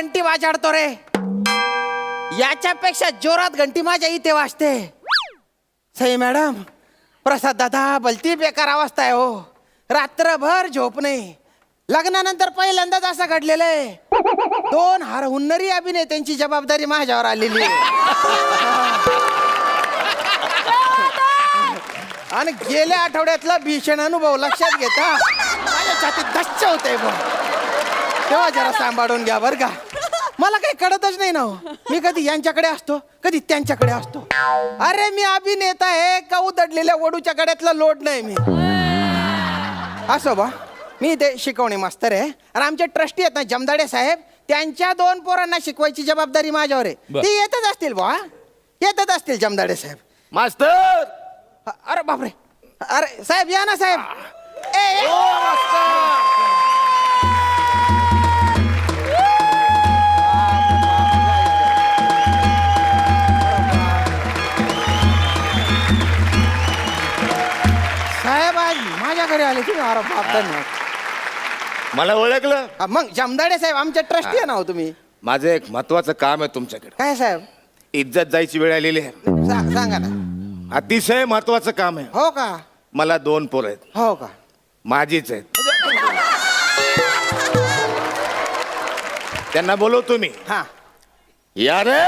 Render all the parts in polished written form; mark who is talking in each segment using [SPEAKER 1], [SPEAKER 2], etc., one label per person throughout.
[SPEAKER 1] घंटी वाजाडतो रे. याच्यापेक्षा जोरात घंटी माझ्या इथे वाजते. सई मॅडम, प्रसाद दादा, भलती बेकार अवस्था आहे हो. रात्रभर झोप नाही. लग्नानंतर पहिल्यांदाच असं घडलेलं आहे. 2 हुन्नरी अभिनेत्यांची जबाबदारी माझ्यावर आलेली आहे. आणि गेल्या आठवड्यातला भीषण अनुभव लक्षात घेता माझ्या छातीत धस्स होते बघ. तेव्हा जरा सांभाळून घ्या बरं का. मला काही कळतच नाही ना हो. मी कधी यांच्याकडे असतो, कधी त्यांच्याकडे असतो. अरे मी अभिनेता आहे का उदडलेल्या वडूच्या गड्यातला लोड नाही मी. असो बा, मी ते शिकवणे मास्तर आहे. आणि आमचे ट्रस्टी आहेत ना जमदाडे साहेब, त्यांच्या 2 पोरांना शिकवायची जबाबदारी माझ्यावर आहे. ती येतच असतील बा, येतच असतील जमदाडे साहेब.
[SPEAKER 2] मास्तर,
[SPEAKER 1] अरे बापरे, अरे साहेब या ना साहेब. ए, साहेब आज माझ्याकडे आले तुम्ही. अरे बाप, धन्यवाद.
[SPEAKER 2] मला ओळखलं?
[SPEAKER 1] मग जमदाडे साहेब आमचे ट्रस्टी आहे ना हो तुम्ही.
[SPEAKER 2] माझं एक महत्वाचं काम आहे तुमच्याकडे.
[SPEAKER 1] काय साहेब?
[SPEAKER 2] इज्जत जायची वेळ आलेली आहे.
[SPEAKER 1] सांगा ना.
[SPEAKER 2] अतिशय महत्वाचं काम आहे.
[SPEAKER 1] हो का?
[SPEAKER 2] मला 2 पोरं आहेत.
[SPEAKER 1] हो का?
[SPEAKER 2] माझीच आहेत. त्यांना बोलवतो मी.
[SPEAKER 1] हा,
[SPEAKER 2] या रे.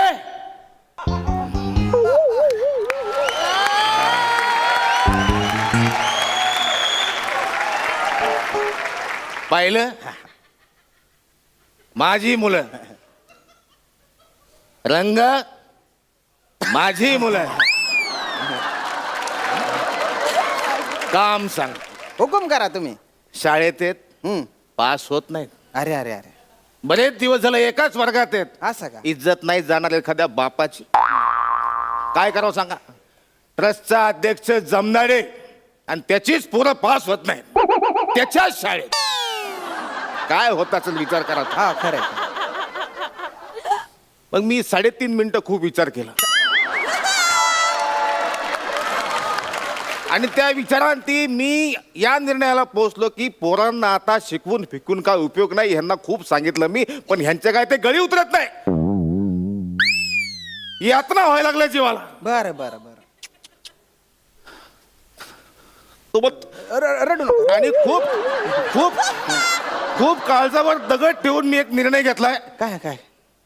[SPEAKER 2] पाहिलं, माझी मुलं. रंग माझी मुलं. काम सांग.
[SPEAKER 1] हुकुम करा तुम्ही.
[SPEAKER 2] शाळेत आहेत,
[SPEAKER 1] हम्म.
[SPEAKER 2] पास होत नाहीत.
[SPEAKER 1] अरे अरे अरे,
[SPEAKER 2] बरेच दिवस झाले एकाच वर्गात आहेत.
[SPEAKER 1] असं का?
[SPEAKER 2] इज्जत नाही जाणार एखाद्या बापाची. काय करावं सांगा. ट्रस्टचा अध्यक्ष जमनाडे आणि त्याचीच पोरं पास होत नाही त्याच्याच शाळेत. काय होताच विचार करा.
[SPEAKER 1] हा खरंय.
[SPEAKER 2] मग मी 3.5 मिनिटं खूप विचार केला. आणि त्या विचारांती मी या निर्णयाला पोहोचलो की पोरांना आता शिकवून फिकून काय उपयोग नाही. ह्यांना खूप सांगितलं मी, पण ह्यांच्या काय ते गळी उतरत नाही. यातना व्हायला लागल्या जीवाला.
[SPEAKER 1] बरं बरं बरं.
[SPEAKER 2] सोबत
[SPEAKER 1] रडू नका.
[SPEAKER 2] आणि खूप खूप खूप काळजावर दगड ठेवून मी एक निर्णय घेतलाय.
[SPEAKER 1] काय काय?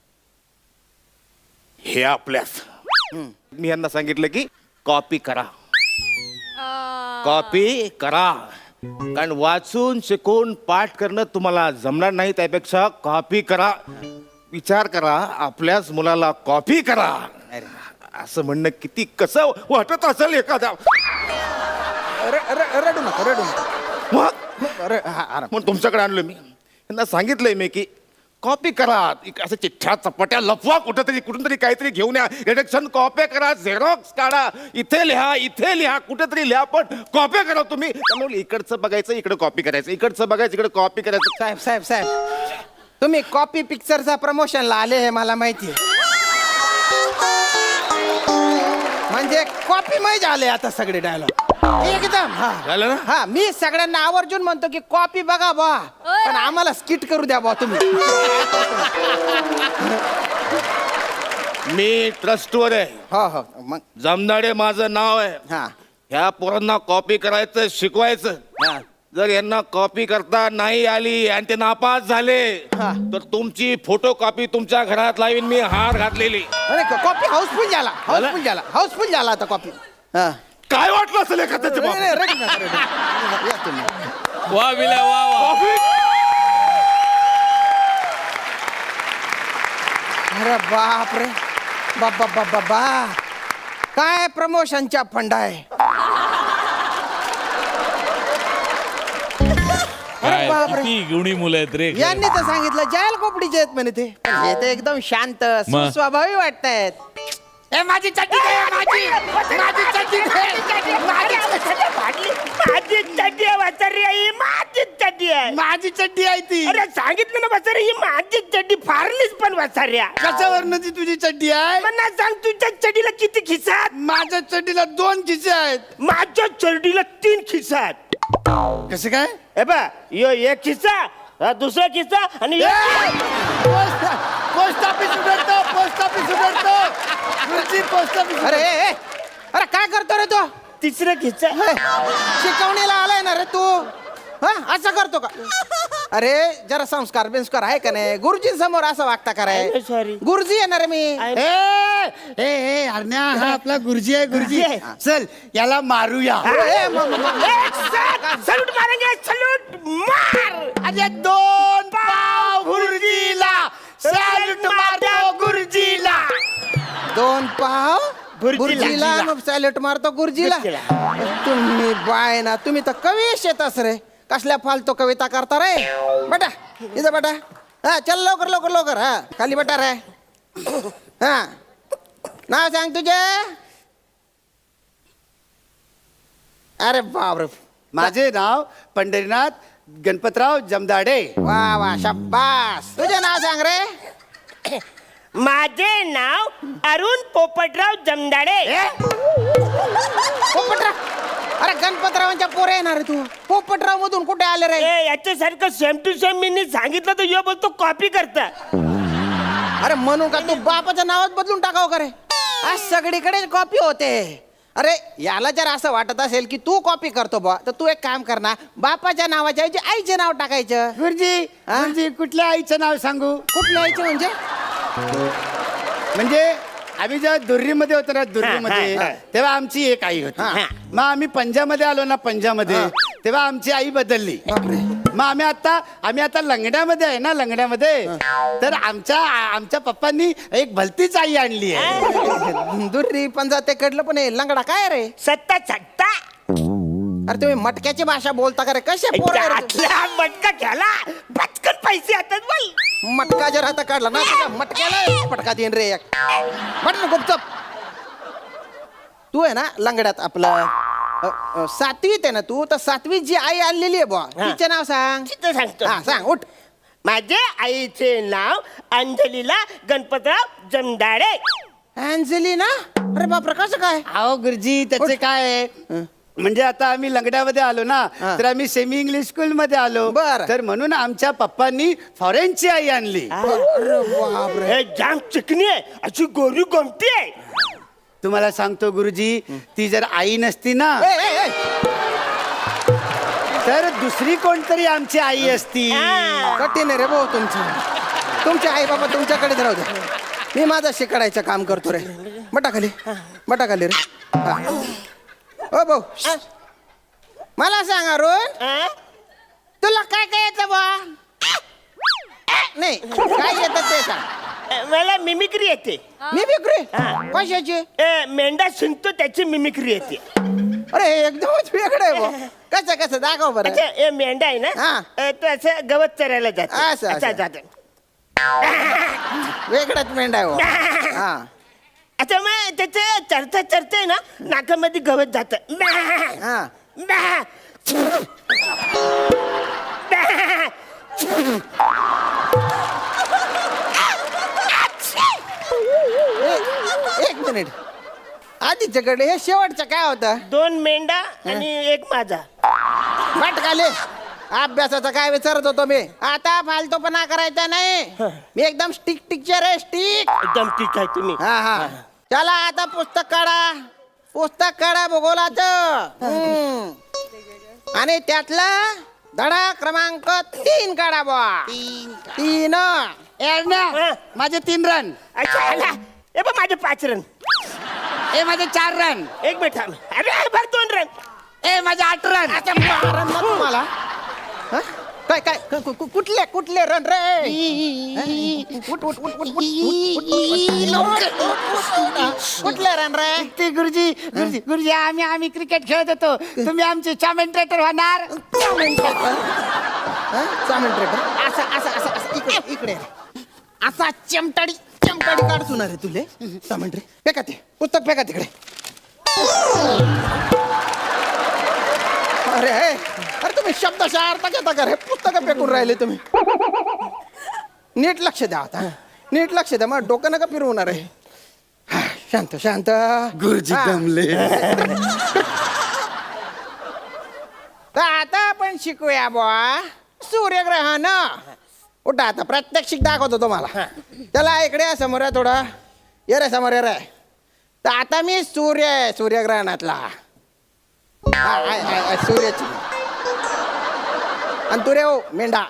[SPEAKER 2] हे आपल्याच. मी यांना सांगितलं की कॉपी करा, कॉपी करा. कारण वाचून शिकून पाठ करणं तुम्हाला जमणार नाही. त्यापेक्षा कॉपी करा. विचार करा, आपल्याच मुलाला कॉपी करा असं म्हणणं किती कसं वाटत असेल एखाद्या.
[SPEAKER 1] रडू नका, रडू नका.
[SPEAKER 2] म्हणून तुमच्याकडे आणलं मी. यांना सांगितलंय मी की कॉपी करा. असं चिठ्ठ्या चपाट्या लपवा, कुठंतरी कुठून तरी काहीतरी घेऊन या. रिडक्शन कॉपी करा, झेरॉक्स काढा, इथे लिहा, कुठेतरी लिहा, पण कॉपी करा तुम्ही. त्यामुळे इकडचं बघायचं, इकडे कॉपी करायचं, इकडचं बघायचं, इकडे कॉपी करायचं.
[SPEAKER 1] साहेब साहेब साहेब, तुम्ही कॉपी पिक्चरचा प्रमोशनला आले हे मला माहिती. म्हणजे कॉपी मै झाले आता सगळे डायलॉग एकदम. हा
[SPEAKER 2] झालं ना?
[SPEAKER 1] हा, मी सगळ्यांना आवर्जून म्हणतो की कॉपी बघा बा, पण आम्हाला स्किट करू द्या बा तुम्ही.
[SPEAKER 2] मी ट्रस्टवर आहे.
[SPEAKER 1] हो हो, मग
[SPEAKER 2] जमनाडे माझं नाव आहे.
[SPEAKER 1] हा
[SPEAKER 2] ह्या पोरांना कॉपी करायचं, शिकवायचं.
[SPEAKER 1] हा.
[SPEAKER 2] जर यांना कॉपी करता नाही आली आणि ते नापास झाले
[SPEAKER 1] हा.
[SPEAKER 2] तर तुमची फोटो कॉपी तुमच्या घरात लावीन मी, हार घातलेली.
[SPEAKER 1] अरे कॉपी हाऊसफुल झाला आता कॉपी. हा,
[SPEAKER 2] काय वाटलं असेल एखाद्याच्या
[SPEAKER 1] नाही, नाही,
[SPEAKER 2] बाबतीत?
[SPEAKER 1] रडू नका, रडू नका. या तुम्ही.
[SPEAKER 3] वा विला वा वा.
[SPEAKER 2] कॉपी?
[SPEAKER 1] अरे बाप रे, बाबा बाबा बा, काय प्रमोशनच्या फंड आहे.
[SPEAKER 3] काय
[SPEAKER 1] बापरे.
[SPEAKER 3] किती गुणी मुलं आहेत रे.
[SPEAKER 1] यांनी तर सांगितलं जायल कोपडीचे आहेत म्हणे ते. पण हे तर एकदम शांत
[SPEAKER 3] मग?
[SPEAKER 1] स्वभावी वाटतायत. ए माझी चड्डी दे, माझी चड्डी दे. माझी चड्डी आहे ती.
[SPEAKER 4] अरे सांगितलं ना बसारे, ही माझी चड्डी फारलीच पण बसाऱ्या.
[SPEAKER 1] कशावरनं ती तुझी चड्डी आहे?
[SPEAKER 4] मला सांग, तुझ्या चड्डीला किती खिसात?
[SPEAKER 1] माझ्या चड्डीला 2 खिसे आहेत.
[SPEAKER 4] माझ्या चड्डीला 3 खिसात.
[SPEAKER 1] कसं काय?
[SPEAKER 4] हे बा, यो 1 खिसा दुसरा किस्सा आणि
[SPEAKER 5] पोस्ट ऑफिस उघडतो पोस्ट ऑफिस उघडतो गुरुजी पोस्ट ऑफिस
[SPEAKER 1] अरे अरे काय करतो रे तू
[SPEAKER 4] तिसरा किस्सा
[SPEAKER 1] शिकवणीला आलाय ना रे तू हा असं करतो का अरे जरा संस्कार बिंस्कार आहे का नाही गुरुजी समोर असं वागता का रे
[SPEAKER 4] सॉरी
[SPEAKER 1] गुरुजी येणार मी
[SPEAKER 5] ए अरण्या हा आपला गुरुजी आहे गुरुजी
[SPEAKER 4] आहे.
[SPEAKER 5] चल याला मारूया
[SPEAKER 4] सलूट मारेंगे सलूट मार
[SPEAKER 5] अरे 2 पाव गुरुजीला सॅल्यूट मारतो गुरुजीला
[SPEAKER 1] 2 पाव
[SPEAKER 4] गुरुजीला.
[SPEAKER 1] गुरुजीला मग सॅल्यूट मारतो गुरुजीला तुम्ही बाय ना तुम्ही तर कवीश येतस रे कसल्या फालतू कविता करता रे बेटा इथं बेटा हा चल लवकर लवकर लवकर हा खाली बेटा रे हा नाव सांग तुझे अरे बापरे
[SPEAKER 5] माझे नाव पंढरीनाथ गणपतराव जमदाडे
[SPEAKER 1] वा वा शाबास तुझे नाव सांग रे
[SPEAKER 4] माझे नाव अरुण पोपटराव जमदाडे
[SPEAKER 1] पोपटराव अरे गणपतरावांच्या पोरे येणार रे तू पोपटराव मधून कुठे आले रे
[SPEAKER 4] याच्यासारखं सेम टू सेम मी सांगितलं तर यो बोलतो कॉपी करता
[SPEAKER 1] अरे म्हणून का तू बापाच्या नावात बदलून टाकाव का रे आज सगळीकडे कॉपी होते अरे याला जर असं वाटत असेल की तू कॉपी करतो बा तर तू एक काम कर ना बापाच्या नावाच्या ऐवजी आईचे नाव टाकायचं
[SPEAKER 5] गुरुजी
[SPEAKER 1] हा?
[SPEAKER 5] गुरुजी कुठल्या आईचं नाव सांगू
[SPEAKER 1] कुठल्या आईचे
[SPEAKER 5] म्हणजे आम्ही जेव्हा दुर्रीमध्ये होतो ना दुर्रीमध्ये
[SPEAKER 4] हा, हा.
[SPEAKER 5] तेव्हा आमची एक आई होती
[SPEAKER 1] हा.
[SPEAKER 5] मग आम्ही पंजामध्ये आलो ना पंजामध्ये तेव्हा आमची आई बदलली मग आम्ही आता लंगड्यामध्ये आहे ना लंगड्यामध्ये तर आमच्या पप्पांनी एक भलतीच आई आणली आहे
[SPEAKER 1] दुर्री पंजा ते कडलं पण हे लंगडा काय रे
[SPEAKER 4] सत्ता सत्ता
[SPEAKER 1] अरे तुम्ही मटक्याची भाषा बोलता का रे कसे पोरं रे तुम्ही?
[SPEAKER 4] आतला मटका घ्याला पटकन पैसे येतात बाई
[SPEAKER 1] मटका जर आता काढला ना तुझ्या मटक्याला पटका देईन रे एक म्हट ना गुपचप तू आहे ना लंगड्यात आपलं 7वीत आहे ना तू तर 7वीत जी आई आणलेली आहे बुवा तिचे नाव सांग
[SPEAKER 4] तिथं सांगतो
[SPEAKER 1] हा सांग उठ
[SPEAKER 4] माझे आईचे नाव अंजलीला गणपतराव जमदाडे
[SPEAKER 1] अंजली ना अरे बापरे कसं काय
[SPEAKER 5] अहो गुरुजी त्याचे काय आहे? म्हणजे आता आम्ही लंगड्यामध्ये आलो ना
[SPEAKER 1] हा.
[SPEAKER 5] तर आम्ही सेमी इंग्लिश स्कूल मध्ये आलो
[SPEAKER 1] बरं.
[SPEAKER 5] तर म्हणून आमच्या पप्पांनी फॉरेनची आई आणली
[SPEAKER 1] अरे बापरे
[SPEAKER 4] हे जाम चिकनी आहे अशी गोरी गोमटी आहे
[SPEAKER 5] तुम्हाला सांगतो गुरुजी ती जर आई नसती ना
[SPEAKER 1] ए, ए, ए.
[SPEAKER 5] तर दुसरी कोणतरी आमची आई असती
[SPEAKER 1] कठीण आहे रे भाऊ तुमचे आई बाबा तुमच्याकडे राहू दे मी माझं शिकायचं काम करतो रे बटा खाली रे हा. ओ भाऊ मला सांग अरुण
[SPEAKER 4] हा?
[SPEAKER 1] तुला काय काय येतं बा नाही काय येतं ते सांग
[SPEAKER 4] मला मिमिक्री येते
[SPEAKER 1] मी विक्री
[SPEAKER 4] हा.
[SPEAKER 1] कशाची
[SPEAKER 4] मेंढा शिंकतो त्याची मिमिक्री येते
[SPEAKER 1] अरे एकदमच वेगळं आहे बा कसं कसं दाखव बरं
[SPEAKER 4] अच्छा हे मेंढा आहे
[SPEAKER 1] हा.
[SPEAKER 4] ना तो असं गवत चरायला जातो
[SPEAKER 1] असं,
[SPEAKER 4] अच्छा
[SPEAKER 1] असं.
[SPEAKER 4] जातो
[SPEAKER 1] वेगळाच मेंढा आहे बा. हा
[SPEAKER 4] अच्छा मग त्याचे चरता चरते ना नाकामध्ये गवत जात
[SPEAKER 1] हा एक मिनिट आधीच्याकडे हे शेवटचं काय होतं
[SPEAKER 4] 2 मेंढा आणि 1 माझा
[SPEAKER 1] भटकाले अभ्यासाचा काय विचारत होतो मी आता फालतूपणा करायचा नाही मी एकदम स्टिक टिकचे रे स्टिक
[SPEAKER 4] एकदम ठीक आहे तुम्ही
[SPEAKER 1] हा हा चला आता पुस्तक काढा भूगोलाचं आणि त्यातला धडा क्रमांक 3 काढा बुवा 3
[SPEAKER 4] हा.
[SPEAKER 5] माझे 3 रन
[SPEAKER 4] अच्छा आला ए बा माझे 5 रन
[SPEAKER 5] ए माझे 4 रन
[SPEAKER 4] एक मिनिट थांब अरे भर 2 रन
[SPEAKER 5] ए माझे 8 रन
[SPEAKER 1] आता मारन ना तुम्हाला हा? काय काय कुठले रन रे उठ, उठ, उठ, उठ, उठ, उठ, कुठले रन रे
[SPEAKER 5] ते गुरुजी आम्ही क्रिकेट खेळत होतो तुम्ही आमचे कॉमेंटेटर होणार
[SPEAKER 1] असं असं असं असं इकडे इकडे असा चमटाडी काढतो ना रे तुले सामंट्री फेका ते पुस्तक फेका तिकडे अरे तुम्ही शब्दशः अर्थ घेता का रे पुस्तक फेकून राहिले तुम्ही नीट लक्ष द्या आता नीट लक्ष द्या मग डोकं नका फिरवणार आहे हा, शांत शांत
[SPEAKER 5] गुरुजी
[SPEAKER 1] हा.
[SPEAKER 5] दमले
[SPEAKER 1] तर आता आपण शिकूया बुवा सूर्यग्रहण उठा आता प्रात्यक्षिक दाखवतो तुम्हाला. चला इकडे या समोर आहे थोडा. ये रे समोर ये रे. तर आता मी सूर्य आहे सूर्यग्रहणातला. सूर्याची आणि तू रे हो मेंढा.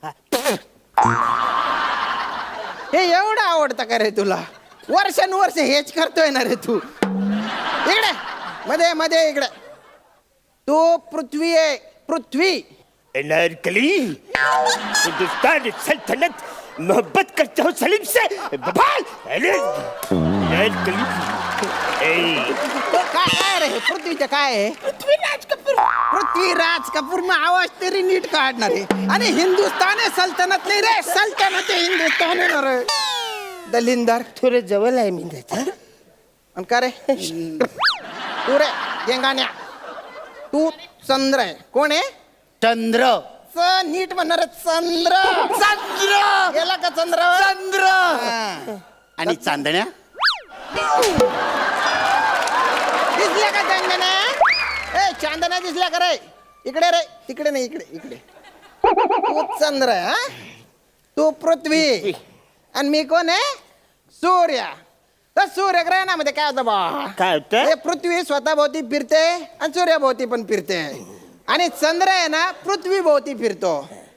[SPEAKER 1] हे एवढं आवडतं का रे तुला? वर्षानुवर्ष हेच करतोय ना रे तू. इकडे मध्ये मध्ये इकडे. तू पृथ्वी आहे पृथ्वी.
[SPEAKER 4] अनारकली हिंदुस्तान सल्तनत मोहब्बत करता हूँ सलीम से बवाल. अनारकली
[SPEAKER 1] तो काय रे पृथ्वीचं काय आहे? पृथ्वीराज कपूर मग आवाज तरी नीट काढणार आहे. आणि हिंदुस्तान आहे सल्तनत नाही रे. सल्तनत आहे हिंदुस्तान आहे ना रे. दलिंदर
[SPEAKER 4] थोडं जवळ आहे मी त्याच्या.
[SPEAKER 1] आणि का रे तू रे गेंगाण्या तू चंद्र आहे. कोण आहे?
[SPEAKER 5] चंद्र.
[SPEAKER 1] नीट म्हणणार आहे, चंद्र.
[SPEAKER 5] चंद्र
[SPEAKER 1] गेला का चंद्र?
[SPEAKER 5] चंद्र. आणि चांदण्या
[SPEAKER 1] दिसल्या का चांदण्या? ए चांदण्या दिसल्या का रे? इकडे रे तिकडे नाही इकडे इकडे. तू चंद्र आहे हा? तू पृथ्वी आणि मी कोण आहे? सूर्य. तर सूर्यग्रहणामध्ये काय होतं बा?
[SPEAKER 4] काय होतं?
[SPEAKER 1] हे पृथ्वी स्वतः भोवती फिरते आणि सूर्याभोवती पण फिरते. आणि चंद्र आहे ना पृथ्वी भोवती फिरतो.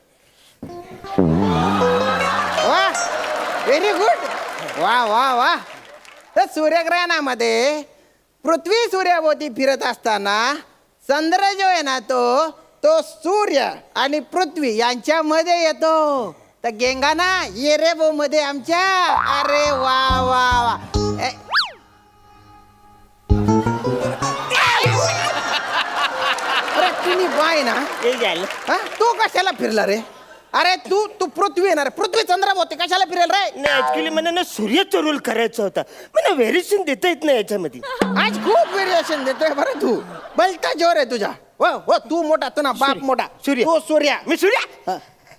[SPEAKER 1] वा व्हेरी गुड. वा वा वा. तर सूर्यग्रहणामध्ये पृथ्वी सूर्याभोवती फिरत असताना चंद्र जो आहे ना तो सूर्य आणि पृथ्वी यांच्यामध्ये येतो. तर गेंगाना ये रे बो मध्ये आमच्या. अरे वा वा वा. अरे तुम्ही बाय ना
[SPEAKER 4] हे झालं.
[SPEAKER 1] हा? तू कशाला फिरला रे? अरे तू पृथ्वी येणार पृथ्वी चंद्राभोवती कशाला फिरेल रे?
[SPEAKER 4] नाही ऍक्च्युली मला ना सूर्याचा रोल करायचा होता. मला व्हेरिएशन देता येत नाही याच्यामध्ये.
[SPEAKER 1] आज खूप व्हेरिएशन देतोय बरं तू. बलता जोर आहे तुझा. हो हो तू मोठा तू ना बाप मोठा.
[SPEAKER 4] सूर्य.
[SPEAKER 1] तू सूर्या.
[SPEAKER 4] मी सूर्या.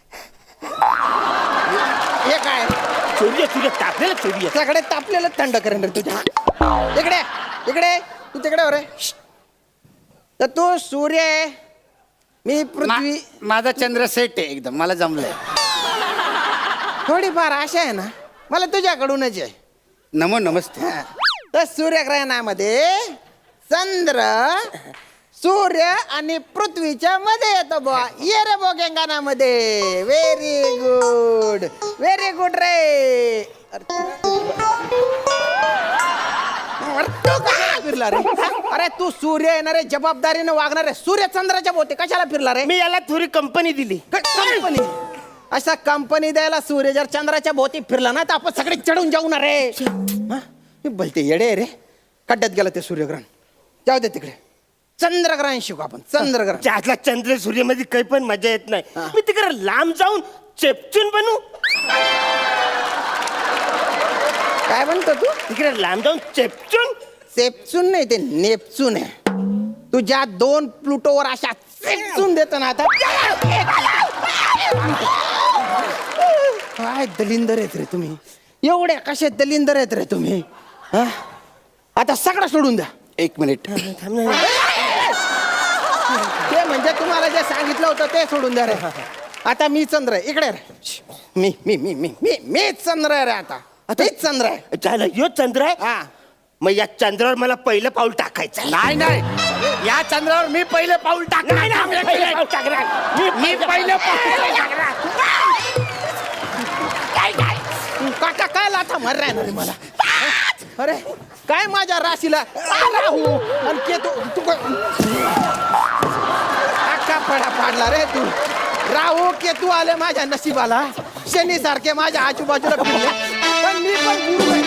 [SPEAKER 1] हे काय
[SPEAKER 4] सूर्य सूर्य तापलेला सूर्य.
[SPEAKER 1] सगळे तापलेलं थंड करेन रे तुझ्या. इकडे इकडे तू तिकडे हो रे. तर तू सूर्य आहे मी पृथ्वी.
[SPEAKER 5] माझा चंद्र सेट आहे एकदम. मला जमलंय.
[SPEAKER 1] थोडीफार आशा आहे ना मला तुझ्याकडूनच आहे.
[SPEAKER 5] नमो नमस्ते.
[SPEAKER 1] हा. तर सूर्यग्रहणामध्ये चंद्र सूर्य आणि पृथ्वीच्या मध्ये येतो बुवा. ये रे बो गेंगाणामध्ये. व्हेरी गुड व्हेरी गुड रे. अरे तू कशाला फिरला रे? अरे तू सूर्य येणार रे जबाबदारीने वागणार रे. सूर्य चंद्राच्या भोवती कशाला फिरला रे?
[SPEAKER 4] मी याला थोडी कंपनी दिली.
[SPEAKER 1] कंपनी असा कंपनी द्यायला सूर्य जर चंद्राच्या भोवती फिरला ना तर आपण सगळे चढून जाऊ ना रे. हा? हे बोलते येडे आहे रे. खड्ड्यात गेलं ते सूर्यग्रहण. जाऊ दे तिकडे. चंद्रग्रहण शिकू आपण. चंद्रग्रहण.
[SPEAKER 4] त्यातला चंद्र सूर्यामध्ये काही पण मजा येत नाही. मी तिकडे लांब जाऊन चेपचून बनू.
[SPEAKER 1] काय म्हणतो तू?
[SPEAKER 4] तिकडे लांब जाऊन चेपचून.
[SPEAKER 1] सेप्चून नाही ते नेपचून आहे. तुझ्या 2 प्लुटोवर अशा सेप्चून देतो ना आता. काय दलिंदर आहेत रे तुम्ही. एवढे कसे दलिंदर आहेत रे तुम्ही. हा? आता सगळं सोडून द्या.
[SPEAKER 5] 1 मिनिट.
[SPEAKER 1] ते म्हणजे तुम्हाला जे सांगितलं होतं ते सोडून द्या रे. आता मी चंद्र आहे. इकडे रे. मी चंद्र आहे रे. आता मीच चंद्र आहे.
[SPEAKER 4] झालं यो चंद्र आहे.
[SPEAKER 1] हा.
[SPEAKER 4] मग या चंद्रावर मला पहिलं पाऊल टाकायचं.
[SPEAKER 5] नाही नाही या चंद्रावर मी पहिलं पाऊल टाकणार. मी पहिलं पाऊल टाकणार.
[SPEAKER 1] काका काय लाथा मार राहणार रे मला. अरे काय माझ्या राशीला राहू आणि केतू तू अख्खा पडा पाडला रे तू. राहू केतू आले माझ्या नशिबाला. शनी सारखे माझ्या आजूबाजूला फिरले. पण मी पण गुरु आहे.